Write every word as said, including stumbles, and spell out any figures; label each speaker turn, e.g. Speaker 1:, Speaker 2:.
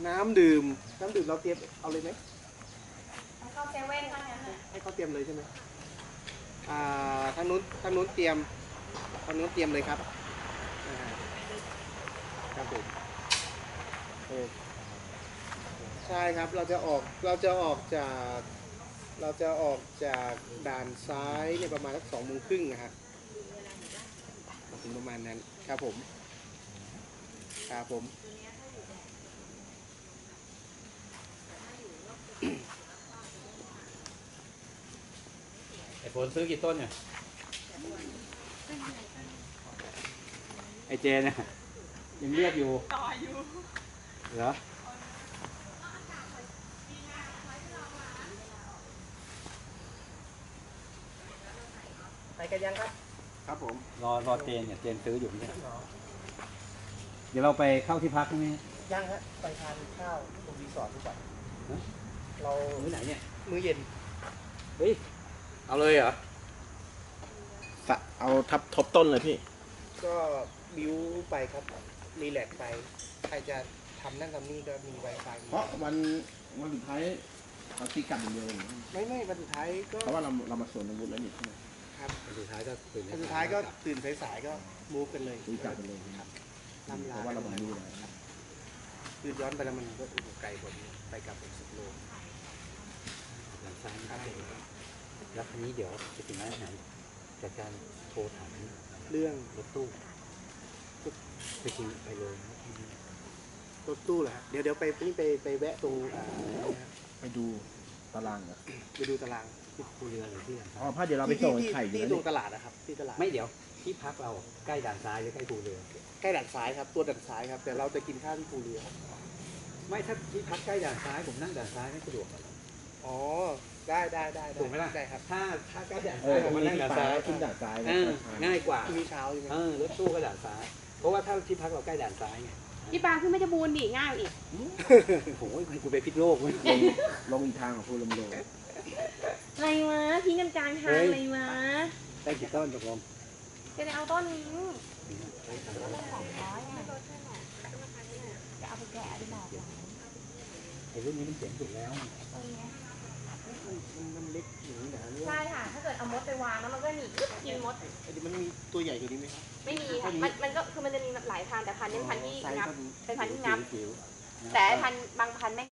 Speaker 1: น้ำดื่มน้ำดื่มเราเตรียมเอาเลยไหม
Speaker 2: เข้าเซเว่นเท่านั้นน่ะ
Speaker 1: ให้เขาเตรียมเลยใช่ไหมอ่าทางนู้นทางนู้นเตรียมทางนู้นเตรียมเลยครับอ่าครับผมโอ้ใช่ครับเราจะออกเราจะออกจากเราจะออกจากด่านซ้ายเนี่ยประมาณสักสองโมงครึ่งนะฮะถึงประมาณนั้นครับผมครับผม
Speaker 3: ไอโฟนซื้อกี่ต้นเนี่ยไอเจเนี่ยยังเรียกอยู่ต่ออยู่เหรอ
Speaker 1: ไปกันยังครับครับผม
Speaker 3: รอรอเจนเนี่ยเจนซื้ออยู่เนี่ยเดี๋ยวเราไปเข้าที่พักตรงนี้
Speaker 1: ยังฮะไปทานข้าวตรงรีสอร์ทดีกว่าเรา
Speaker 3: มื้อไหนเนี่ย
Speaker 1: มื้อเย็น
Speaker 3: เฮ้ยเอาเลยเหรอ
Speaker 4: เอาทับทบต้นเลยพี่
Speaker 1: ก็บิวไปครับรีแลกซ์ไปใครจะทำนั่นทำนี่ก็มี Wi-Fi
Speaker 4: เพราะวันวันสุดท้ายเราตีกลับอย่างเดียว
Speaker 1: ไม่ไม่วันสุดท้ายก็
Speaker 4: เพราะว่าเราเรามาสวนอาวุธแล้วนี่ใช่ไหม
Speaker 1: ครับ
Speaker 3: วันสุดท้ายก็ตื่น
Speaker 1: วันสุดท้ายก็ตื่นสายๆก็มูฟกันเลย
Speaker 4: ตีกลับกันเลย
Speaker 1: ครับลำลา
Speaker 4: เพราะว่าเรามาดูแล
Speaker 1: คือย้อนไปแล้วมันก็ไกลกว่านี้ไปกลับอีกสิบโล
Speaker 3: หลังซ้ายครับแล้วคันนี้เดี๋ยวจะถึงร้านอาหารจากการโทรถาม
Speaker 1: เรื่อง
Speaker 3: รถตู้ไปกินไปเลย
Speaker 1: รถตู้เหรอเดี๋ยวเดี๋ยวไปนี่ไปไปแวะตรง
Speaker 4: ไปดูตารางอ่ะ
Speaker 1: ไปดูตาราง
Speaker 3: ที่ภูเรือหรือที่
Speaker 4: อ๋อพาเดี๋ยวเราไปส่งไข่
Speaker 1: ที่ตรงตลาดนะครับที่ตลาด
Speaker 3: ไม่เดี๋ยวที่พักเราใกล้ด่านซ้ายหรือใกล้ภูเรือ
Speaker 1: ใกล้ด่านซ้ายครับตัวด่านซ้ายครับแต่เราจะกินข้าวที่ภูเรือ
Speaker 3: ไม่ถ้าที่พักใกล้ด่านซ้ายผมนั่งด่านซ้ายไม่สะดวก
Speaker 1: อ๋อได้ได้ได้
Speaker 3: ถูกไหมล่ะ
Speaker 1: ได้ครับ
Speaker 3: ถ้าถ้าใกล้ด่านซ้ายผมนั่งด่านซ้าย
Speaker 4: ขึ้นด่านซ้าย
Speaker 3: ง่ายกว่า
Speaker 1: มีเช้าใช่ไหม
Speaker 3: เออรถตู้ก็ด่านซ้ายเพราะว่าถ้าที่พักเราใกล้ด่านซ้ายไง
Speaker 2: พี่ปางขึ้นไม่จะบูนดิง่ายอีก
Speaker 3: โอ้ยคุณไปพิษโลกไหม
Speaker 4: ลงอีกทางของภูลมโล
Speaker 2: อะไรวะทิ้งกันกลางทางอะไรวะ
Speaker 3: ได้กี่ต้นตกลง
Speaker 2: จะได้เอาต้นนี้สองร้อยอ่ะจะเอาไปแกะได้บอก
Speaker 3: ไอ้รุ่นนี้มันเจ๋งสุดแล้ว
Speaker 1: มันเล็กอย่างนี้นะ
Speaker 2: ใช่ค่ะถ้าเกิดเอามดไปวางแล้วมันก็หนีกินมด
Speaker 1: ไอ้ดิมันมีตัวใหญ่กว่านี้ไหมครับ
Speaker 2: ไม่มีค่ะมันมันก็คือมันจะมีหลายพันแต่พันนี้พันที่งับเป็นพันที่งับแต่พันบางพันไม่